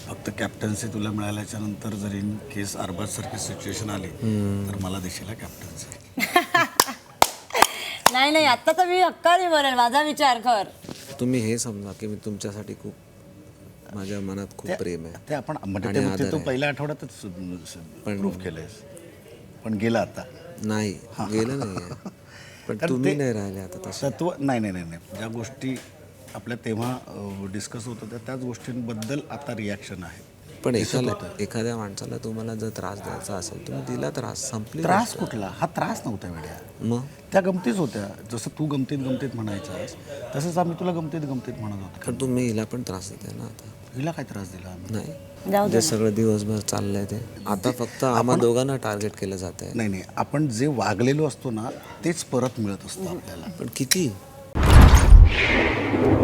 फक्त कॅप्टन्सी तुला मिळाल्याच्या नंतर जरी इन केस अरबाजसारखी सिच्युएशन आली तर मला देशील कॅप्टन्सी. नाही नाही, आता तर मी हक्काने बोलेल, माझा विचार कर. तुम्ही हे समजा की मी तुमच्यासाठी खूप, माझ्या मनात खूप प्रेम आहे. ते आपण म्हणजे आणि ते आदर तू आहे. पहिल्या आठवड्यातच प्रूफ केलंयस, पण गेला आता. नाही गेलं नाही पण कारण तुम्ही ते नाही राहिले आता तसं. तत्व नाही नाही नाही नाही, ज्या गोष्टी आपल्या तेव्हा डिस्कस होत होत्या त्याच गोष्टींबद्दल आता रिॲक्शन आहे. पण एखाद्या माणसाला तुम्हाला जर त्रास द्यायचा असेल तुम्ही दिला त्रास, संपली त्रास गोष्ट. कुठला? हा त्रास नव्हता वेड्या, मग त्या गमतीच होत्या. जसं तू गमतीत गमतीत म्हणायचास तसंच आम्ही तुला गमतीत गमतीत म्हणत होतो. पण तुम्ही हिला पण त्रास देताय ना आता. हिला काय त्रास दिला आम्ही? नाही जाऊ दे जे सगळं दिवसभर चाललंय ते आता फक्त आम्हा दोघांना टार्गेट केलं जात आहे. नाही नाही, आपण जे वागलेलो असतो ना तेच परत मिळत असतं आपल्याला. पण किती